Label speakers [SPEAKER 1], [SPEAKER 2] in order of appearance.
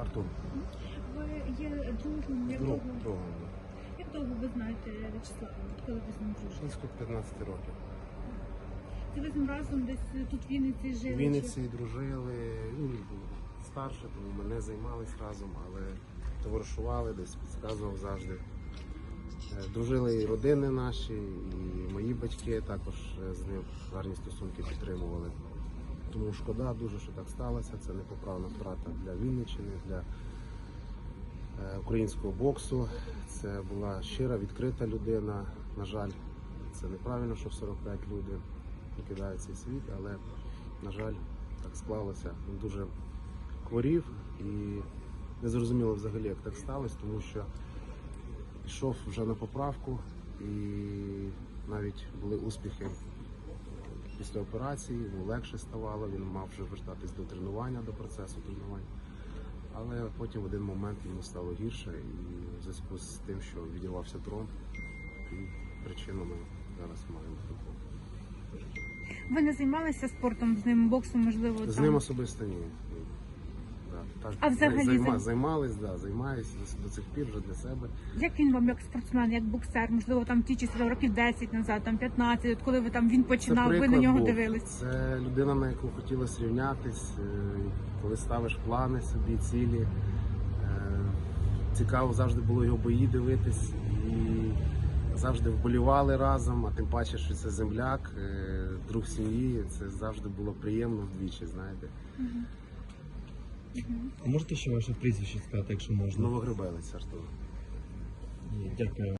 [SPEAKER 1] Артур.
[SPEAKER 2] Ви є другом,
[SPEAKER 1] Другом.
[SPEAKER 2] як довго ви знаєте В'ячеслава? Коли ви з ним дружите?
[SPEAKER 1] Близько 15 років.
[SPEAKER 2] Це ви з ним разом десь тут в Вінниці жили?
[SPEAKER 1] В Вінниці дружили, він був старше, тому ми не займалися разом, але товаришували, десь підказував завжди. Дружили і родини наші, і мої батьки також з ним гарні стосунки підтримували. Тому шкода дуже, що так сталося. Це непоправна втрата для Вінниччини, для українського боксу. Це була щира, відкрита людина. На жаль, це неправильно, що в 45 люди покидають цей світ, але, на жаль, так склалося. Він дуже хворів і не зрозуміло взагалі, як так сталося, тому що йшов вже на поправку і навіть були успіхи після операції, йому легше ставало, він мав вже вертатись до тренування, до процесу тренувань. Але потім в один момент йому стало гірше і в зв'язку з тим, що відірвався тромб, і причину ми зараз маємо таку.
[SPEAKER 2] Ви не займалися спортом з ним, боксом, можливо?
[SPEAKER 1] З
[SPEAKER 2] там?
[SPEAKER 1] ним особисто ні. Так,
[SPEAKER 2] А взагалі
[SPEAKER 1] займаюся до цих пір вже для себе.
[SPEAKER 2] Як він вам як спортсмен, як боксер, можливо, там ті часи років 10 назад, там 15, от коли ви там він починав, ви на нього дивились?
[SPEAKER 1] Це людина, на яку хотілося рівнятись, коли ставиш плани собі, цілі. Цікаво завжди було його бої дивитись і завжди вболівали разом, а тим паче, що це земляк, друг сім'ї, це завжди було приємно вдвічі, знаєте.
[SPEAKER 3] А можете ще ваше прізвище сказати, якщо можна?
[SPEAKER 1] Новогребелець, Артур.
[SPEAKER 3] Ні, дякую.